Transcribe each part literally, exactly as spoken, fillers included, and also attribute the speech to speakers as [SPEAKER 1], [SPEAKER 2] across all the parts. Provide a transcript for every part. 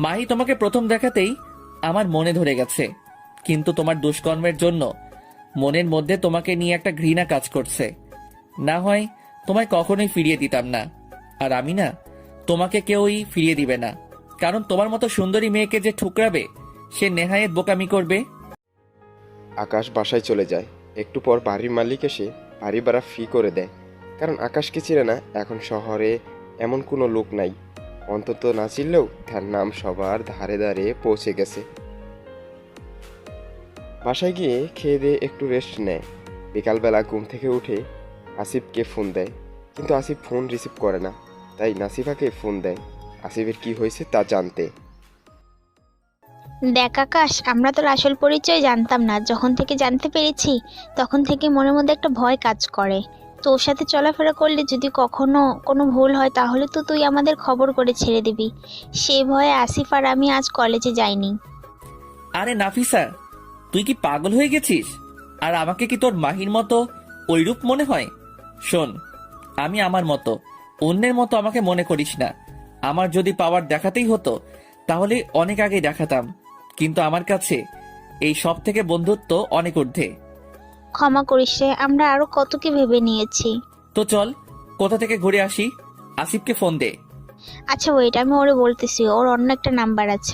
[SPEAKER 1] মাহি তোমাকে প্রথম দেখাতেই আমার মনে ধরে গেছে, কিন্তু তোমার দুষ্কর্মের জন্য মনের মধ্যে তোমাকে নিয়ে একটা ঘৃণা কাজ করছে। না হয় তোমায় কখনোই ফিরিয়ে দিতাম না। আর আমি না, তোমাকে কেউই ফিরিয়ে দিবে না, কারণ তোমার মতো সুন্দরী মেয়েকে যে ঠুকরাবে সে নেহায়েত বোকামি করবে।
[SPEAKER 2] আকাশ বাসায় চলে যায়। একটু পর বাড়ির মালিক এসে বাড়ি ভাড়া ফি করে দেয়, কারণ আকাশকে চিনে না এখন শহরে এমন কোনো লোক নাই। অন্তত না চিনলেও তার নাম সবার ধারে ধারে পৌঁছে গেছে। বাসায় গিয়ে খেয়ে দিয়ে একটু রেস্ট নেয়। বিকালবেলা ঘুম থেকে উঠে আসিফকে ফোন দেয়, কিন্তু আসিফ ফোন রিসিভ করে না। তাই নাসিফাকে ফোন দেয় আসিফের কি হয়েছে তা জানতে।
[SPEAKER 3] দেখ আকাশ, আমরা তোর আসল পরিচয় জানতাম না। যখন থেকে জানতে পেরেছি তখন থেকে মনের মধ্যে একটা ভয় কাজ করে। তোর সাথে চলাফেরা করলে যদি কখনো কোনো ভুল হয় তাহলে তো তুই আমাদের খবর করে ছেড়ে দিবি। সেই ভয়ে আসিফ আর আমি আজ কলেজে যাইনি।
[SPEAKER 1] আরে নাফিসা, তুই কি পাগল হয়ে গেছিস? আর আমাকে কি তোর মাহির মতো ওইরূপ মনে হয়? শোন, আমি আমার মতো, অন্যের মতো আমাকে মনে করিস না। আমার যদি পাওয়ার দেখাতেই হতো তাহলে অনেক আগেই দেখাতাম, কিন্তু আমার কাছে এই সব থেকে বন্ধুত্ব অনেক ঊর্ধ্বে।
[SPEAKER 3] ক্ষমা করিস রে, আমরা আরো কত কি ভেবে নিয়েছি।
[SPEAKER 1] তো চল কোথা থেকে ঘুরে আসি। আসিফকে ফোন দে।
[SPEAKER 3] আচ্ছা ওয়েট, আমি ওরে বলতেছি, ওর অন্য একটা নাম্বার আছে।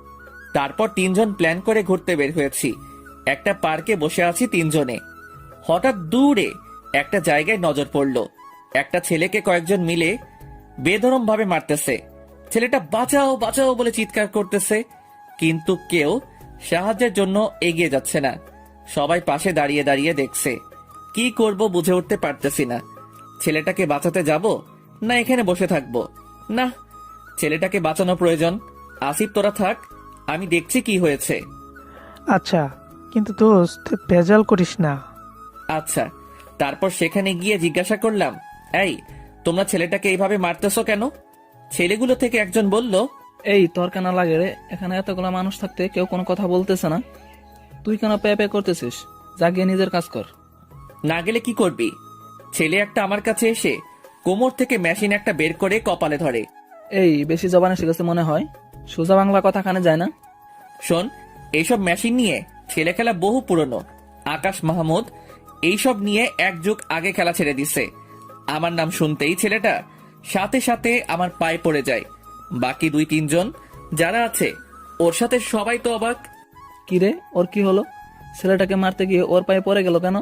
[SPEAKER 1] তারপর তিনজন প্ল্যান করে ঘুরতে বের হয়েছি। একটা পার্কে বসে আছি তিনজনে। হঠাৎ দূরে একটা জায়গায় নজর পড়ল। একটা ছেলেকে কয়েকজন মিলে বেধরম ভাবে মারতেছে। ছেলেটা বাঁচাও বাঁচাও বলে চিৎকার করতেছে, কিন্তু কেউ সাহায্যের জন্য এগিয়ে যাচ্ছে না। সবাই পাশে দাঁড়িয়ে দাঁড়িয়ে দেখছে। কি করব বুঝে উঠতে পারতেছি না। ছেলেটাকে বাঁচাতে যাব না এখানে বসে থাকবো? না, ছেলেটাকে বাঁচানো প্রয়োজন। আসিফ তোরা থাক, আমি দেখছি কি হয়েছে।
[SPEAKER 4] আচ্ছা, কিন্তু দোস্ত ভেজাল করিস না।
[SPEAKER 1] আচ্ছা। তারপর সেখানে গিয়ে জিজ্ঞাসা করলাম, এই তোমরা ছেলেটাকে এইভাবে মারতেছো কেন? ছেলেগুলো থেকে একজন বলল,
[SPEAKER 5] এই তোর কেন লাগে রে? এখানে এতগুলো মানুষ থাকতে কেউ কোনো কথা বলতেছে না, তুই কেন পে পে করতেছিস? যা গিয়ে নিজের কাজ কর।
[SPEAKER 1] না গেলে কি করবি? ছেলে একটা আমার কাছে এসে কোমর থেকে মেশিন একটা বের করে কপালে ধরে।
[SPEAKER 5] এই বেশি জবানে শিখেছে মনে হয়, সোজা বাংলা কথা কানে যায় না।
[SPEAKER 1] শোন, এইসব মেশিন নিয়ে ছেলে খেলা বহু পুরনো। আকাশ মাহমুদ এইসব নিয়ে এক যুগ আগে খেলা ছেড়ে দিছে। আমার নাম শুনতেই ছেলেটা সাথে সাথে আমার পায়ে পড়ে যায়। বাকি দুই তিনজন যারা আছে ওর সাথে সবাই তো অবাক।
[SPEAKER 5] কি রে, ওর কি হলো? ছেলেটাকে মারতে গিয়ে ওর পায়ে পড়ে গেল কেন?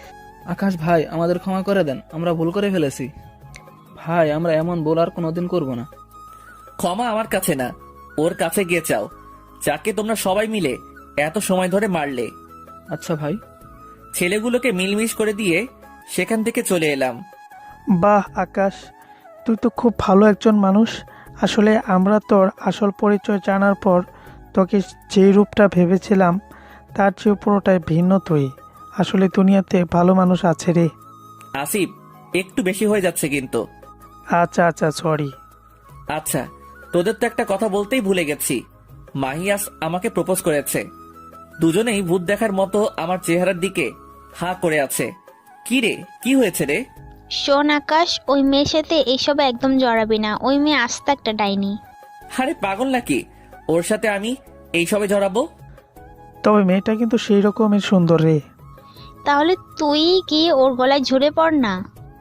[SPEAKER 5] আকাশ ভাই, আমাদের ক্ষমা করে দেন, আমরা ভুল করে ফেলেছি ভাই। আমরা এমন ভুল আর কোনোদিন করব না।
[SPEAKER 1] ক্ষমা আমার কাছে না, ওর কাছে গিয়ে চাও, যাকে তোমরা সবাই মিলে এত সময় ধরে মারলে।
[SPEAKER 5] আচ্ছা ভাই।
[SPEAKER 1] ছেলেগুলোকে মিলমিশ করে দিয়ে সেখান থেকে চলে এলাম।
[SPEAKER 4] বাহ আকাশ, তুই তো খুব ভালো একজন মানুষ। আসলে আমরা তোর আসল পরিচয় জানার পর তোকে যেই রূপটা ভেবেছিলাম তার চেয়ে পুরোটাই ভিন্ন তুই। আসলে দুনিয়াতে ভালো মানুষ আছে রে।
[SPEAKER 1] আসিফ, একটু বেশি হয়ে যাচ্ছে কিন্তু।
[SPEAKER 4] আচ্ছা আচ্ছা, সরি।
[SPEAKER 1] আচ্ছা, তোদের তো একটা কথা বলতেই ভুলে গেছি। মাহিয়াস আমাকে প্রপোজ করেছে। দুজনেই ভূত দেখার মতো আমার চেহারার দিকে হা করে আছে। কি রে, কি হয়েছে রে?
[SPEAKER 3] শোন আকাশ, ওই মেয়ের সাথে এইসব একদম জড়াবি না। ওই মেয়ে আস্ত একটা ডাইনি।
[SPEAKER 1] আরে পাগল নাকি, ওর সাথে আমি এইসবে জড়াবো?
[SPEAKER 4] তবে মেয়েটা কিন্তু সেই রকমের সুন্দর রে।
[SPEAKER 3] তাহলে তুই গিয়ে ওর গলায় ঝুড়ে পড় না।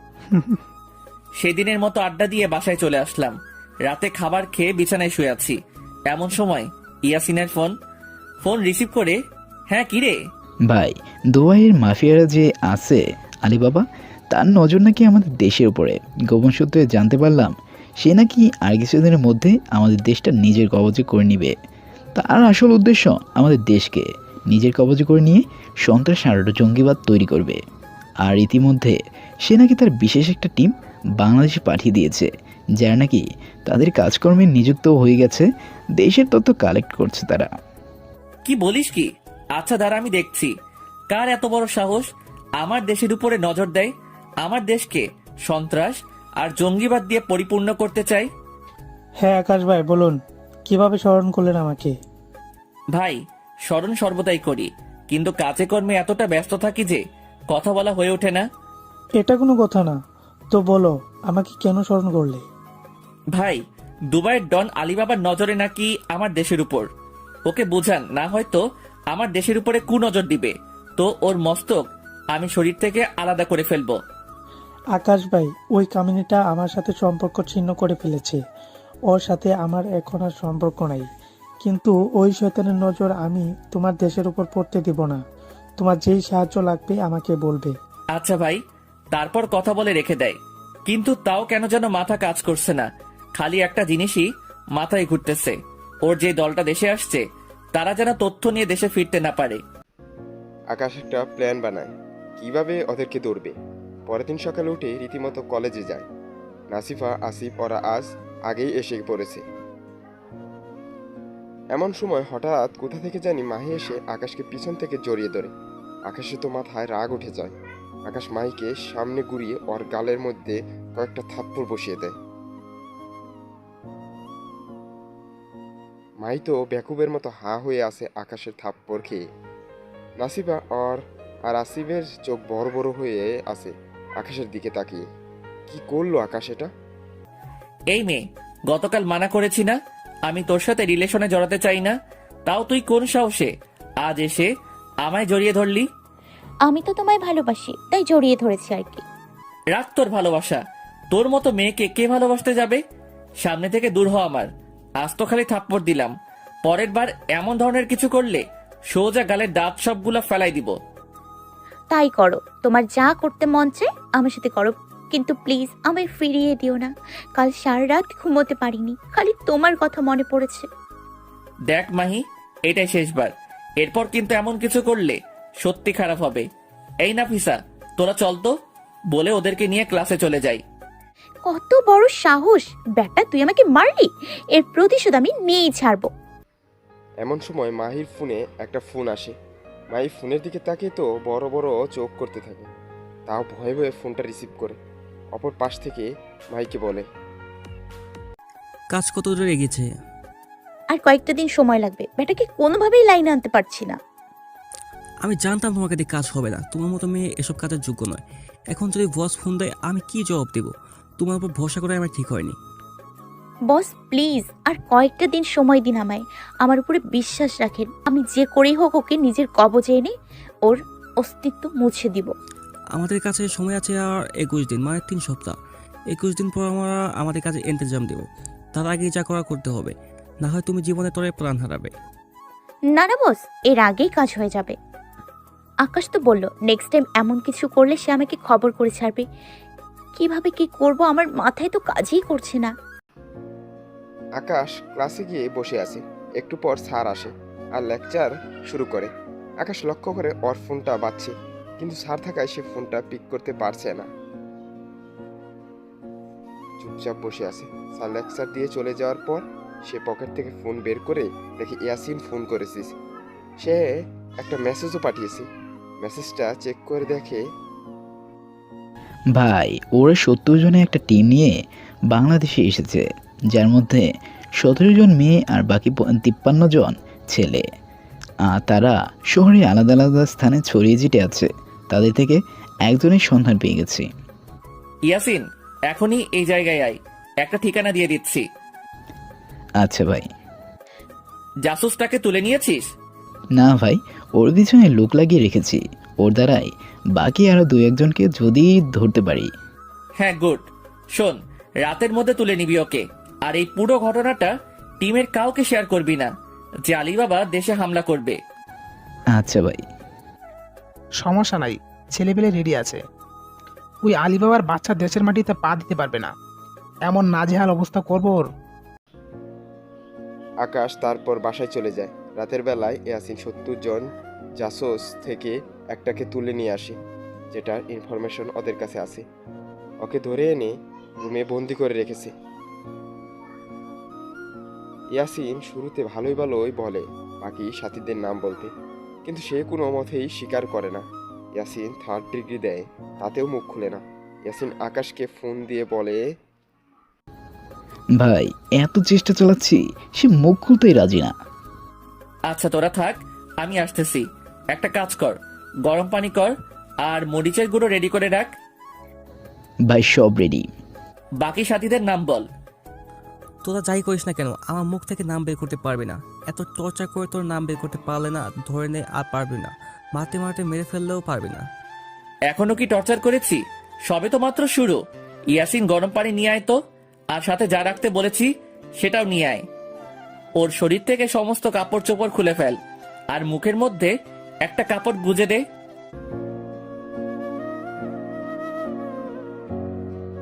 [SPEAKER 1] সেদিনের মতো আড্ডা দিয়ে বাসায় চলে আসলাম। রাতে খাবার খেয়ে বিছানায় শুয়ে আছি। এমন সময় ইয়াসিনের ফোন। ফোন রিসিভ করে, হ্যাঁ কি রে?
[SPEAKER 6] ভাই, দুবাইয়ের মাফিয়ারা যে আছে আলিবাবা, তার নজর নাকি আমাদের দেশের উপরে। গোপন সূত্রে জানতে পারলাম সে নাকি আর কিছুদিনের মধ্যে আমাদের দেশটা নিজের কবজে করে নিবে। তার আসল উদ্দেশ্য আমাদের দেশকে নিজের কবজে করে নিয়ে সন্ত্রাস আর জঙ্গিবাদ তৈরি করবে। আর ইতিমধ্যে সে নাকি তার বিশেষ একটা টিম বাংলাদেশে পাঠিয়ে দিয়েছে, যারা নাকি তাদের কাজকর্মে নিযুক্ত হয়ে গেছে। দেশের তথ্য কালেক্ট করছে তারা।
[SPEAKER 1] কি বলিস কি? আচ্ছা দাঁড়া, আমি দেখছি কার এত বড় সাহস আমার দেশের উপরে নজর দেয়, আমার দেশকে সন্ত্রাস আর জঙ্গিবাদ দিয়ে পরিপূর্ণ করতে চাই।
[SPEAKER 4] হ্যাঁ আকাশ ভাই, বলুন কিভাবে স্মরণ করলেন আমাকে?
[SPEAKER 1] ভাই, স্মরণ সর্বদাই করি, কিন্তু কাজে কর্মে এতটা ব্যস্ত থাকি যে কথা বলা হয়ে ওঠে না।
[SPEAKER 4] এটা কোনো কথা না, তো বলো আমাকে কেন স্মরণ করলে?
[SPEAKER 1] ভাই, দুবাইয়ের ডন আলিবাবার নজরে নাকি আমার দেশের উপর। ওকে বুঝান, না হয়তো আমার দেশের উপরে কুনজর দিবে, তো ওর মস্তক আমি শরীর থেকে আলাদা করে ফেলবো।
[SPEAKER 4] আকাশ ভাই, ওই কামিনীটা আমার সাথে সম্পর্ক ছিন্ন করে ফেলেছে। ওর সাথে আমার এখন আর সম্পর্ক নাই। কিন্তু ওই শয়তানের নজর আমি তোমার দেশের উপর পড়তে দিব না। তোমার যেই সাহায্য লাগবে আমাকে বলবে।
[SPEAKER 1] আচ্ছা ভাই, তারপর কথা বলে রেখে দেয়। কিন্তু তাও কেন যেন মাথা কাজ করছে না, খালি একটা জিনিসই মাথায় ঘুরতেছে, ওর যে দলটা দেশে আসছে তারা যেন তথ্য নিয়ে দেশে ফিরতে না পারে।
[SPEAKER 2] আকাশ একটা প্ল্যান বানায় কিভাবে ওদেরকে ধরবে। পরের দিন সকালে উঠে রীতিমতো কলেজে যায়। নাসিফা, আসিফ ওরা আজ আগেই এসে পড়েছে। এমন সময় হঠাৎ কোথা থেকে জানি মাহি এসে আকাশকে পিছন থেকে জড়িয়ে ধরে। আকাশে তো মাথায় রাগ উঠে যায়। আকাশ মাহিকে সামনে ঘুরিয়ে ওর গালের মধ্যে কয়েকটা থাপ্পড় বসিয়ে দেয়। মাহি তো বেকুবের মতো হা হয়ে আছে আকাশের থাপ্পড় খেয়ে। নাসিফা ওর আর আসিফের চোখ বড় বড় হয়ে আছে আকাশের দিকে তাকিয়ে। কি করলো আকাশ এটা?
[SPEAKER 1] এই মেয়ে, গতকাল মানা করেছি না আমি তোর সাথে রিলেশনে জড়াতে চাই না, তাও তুই কোন সাহসে আজ এসে আমায় জড়িয়ে ধরলি?
[SPEAKER 7] আমি তো তোমায় ভালোবাসি, তাই জড়িয়ে ধরেছি আর কি।
[SPEAKER 1] রাখ তোর ভালোবাসা, তোর মতো মেয়েকে কে ভালোবাসতে যাবে? সামনে থেকে দূর হ আমার। আজ তো খালি থাপ্পড় দিলাম, পরের বার এমন ধরনের কিছু করলে সোজা গালের দাঁত সবগুলা ফেলাই দিব।
[SPEAKER 7] তাই করো, তোমার যা করতে মন চায় আমার সাথে করো, কিন্তু প্লিজ আমায় ফিরিয়ে দিও না। কাল সারা রাত ঘুমোতে পারিনি, খালি তোমার কথা মনে পড়েছে।
[SPEAKER 1] দেখ মাহি, এটাই শেষবার, এরপর কিন্তু এমন কিছু করলে সত্যি খারাপ হবে। এই না ফিসা, তোরা চল তো, বলে ওদেরকে নিয়ে ক্লাসে চলে যাই।
[SPEAKER 7] কত বড় সাহস বেটা, তুই আমাকে মারলি, এর প্রতিশোধ আমি নিয়েই ছাড়বো।
[SPEAKER 2] এমন সময় মাহির ফোনে একটা ফোন আসে। মাহি ফোনের দিকে তাকিয়ে তো বড় বড় চোখ করতে থাকে। তাও ভয়ে ভয়ে ফোনটা রিসিভ করে অপর পাশ থেকে মাহিকে বলে,
[SPEAKER 8] কাজ কত দূর এগিয়েছে?
[SPEAKER 7] আর কয়েকটা দিন সময় লাগবে, বেটাকে কোনোভাবেই লাইনে আনতে পারছি না।
[SPEAKER 8] আমি জানতাম তোমাকে দিয়ে কাজ হবে না, তোমার মতো মেয়ে এসব কাজের যোগ্য নয়। এখন যদি বস ফোন দেয় আমি কি জবাব দেব? তোমার উপর ভরসা করে আমার ঠিক হয়নি।
[SPEAKER 7] বস প্লিজ আর কয়েকটা দিন সময় দিন আমায়, আমার উপরে বিশ্বাস রাখেন। আমি যে করেই হোক ওকে নিজের কবজে এনে ওর অস্তিত্ব মুছে দিব।
[SPEAKER 8] আমাদের কাছে সময় আছে আর একুশ দিন, মানে তিন সপ্তাহ। একুশ দিন পর আমরা আমাদের কাছে ইন্তজাম দেবো, তার আগে যা করা করতে হবে, না হয় তুমি জীবনে তরে প্রাণ হারাবে।
[SPEAKER 7] না না বস, এর আগেই কাজ হয়ে যাবে। আকাশ তো বলল নেক্সট টাইম এমন কিছু করলে সে আমাকে খবর করে ছাড়বে। কিভাবে কি করব আমার মাথায় তো কাজই করছে না।
[SPEAKER 2] আকাশ ক্লাসে গিয়ে বসে আছে। একটু পর স্যার আসে আর লেকচার শুরু করে। আকাশ লক্ষ্য করে ওর ফোনটা বাজছে, কিন্তু স্যার থাকায় সে ফোনটা পিক করতে পারছে না। চুপচাপ বসে আছে। স্যার লেকচার দিয়ে চলে যাওয়ার পর সে পকেট থেকে ফোন বের করে দেখে ইয়াসিন ফোন করেছিস। সে একটা মেসেজও পাঠিয়েছে। মেসেজটা চেক করে দেখে,
[SPEAKER 6] ভাই, ওরা সত্তর জনের একটা টিম নিয়ে বাংলাদেশে এসেছে, যার মধ্যে সতেরো জন মেয়ে আর বাকি তিপ্পান্ন জন ছেলে। আর তারা শহরে আলাদা আলাদা স্থানে ছড়িয়ে ছিটে আছে। তাদের থেকে একজনের সন্ধান পেয়ে গেছি।
[SPEAKER 1] ইয়াসিন, এখনই এই জায়গায় আয়, একটা ঠিকানা দিয়ে দিচ্ছি।
[SPEAKER 6] আচ্ছা ভাই।
[SPEAKER 1] জাসুসটাকে তুলে নিয়েছিস?
[SPEAKER 6] না ভাই, ওর পিছনে লোক লাগিয়ে রেখেছি। ওর দ্বারাই বাকি আরো দু একজনকে যদি ধরতে পারি।
[SPEAKER 1] হ্যাঁ, গুড। শোন, রাতের মধ্যে তুলে নিবি ওকে, আর এই পুরো ঘটনাটা টিমের কাউকে শেয়ার করবি না যে আলিবাবা দেশে হামলা করবে।
[SPEAKER 6] আচ্ছা ভাই।
[SPEAKER 9] সমস্যা নাই, ছেলেপেলে রেডি আছে। ওই আলিবাবার বাচ্চা দেশের মাটিতে পা দিতে পারবে না, এমন নাজেহাল অবস্থা করবো ওর।
[SPEAKER 2] আকাশ তারপর বাসায় চলে যায়। রাতের বেলায় ইয়াসিন সত্তর জন জাসোস থেকে একটাকে তুলে নিয়ে আসে, যেটার ইনফরমেশন ওদের কাছে আছে। ওকে ধরে এনে রুমে বন্দি করে রেখেছে। ইয়াসিন শুরুতে ভালোই ভালোই বলে বাকি সাথীদের নাম বলতে, কিন্তু সে কোনো মতেই স্বীকার করে না। ইয়াসিন থার্ড ডিগ্রি দেয়, তাতেও মুখ খুলে না। ইয়াসিন আকাশকে ফোন দিয়ে বলে,
[SPEAKER 6] ভাই, এত চেষ্টা চালাচ্ছি, সে মুখ খুলতেই রাজি না।
[SPEAKER 1] আচ্ছা তোরা থাক, আমি আসতেছি। একটা কাজ কর, গরম পানি কর আর মরিচের গুঁড়ো রেডি করে রাখ।
[SPEAKER 6] ভাই সব রেডি।
[SPEAKER 1] বাকি সাথীদের নাম বল।
[SPEAKER 8] তোরা যাই করিস না কেন আমার মুখ থেকে নাম বের করতে পারবি না। এত টর্চার করে তোর নাম বের করতে পারলে না, ধরে নে আর পারবি না। মারতে মারতে মেরে ফেললেও পারবি না।
[SPEAKER 1] এখনো কি টর্চার করেছি? সবে তো মাত্র শুরু। ইয়াসিন গরম পানি নিয়ে আয় তো, আর সাথে যা রাখতে বলেছি সেটাও নিয়ে আয়। ওর শরীর থেকে সমস্ত কাপড় চোপড় খুলে ফেল, আর মুখের মধ্যে একটা কাপড় গুজে দে।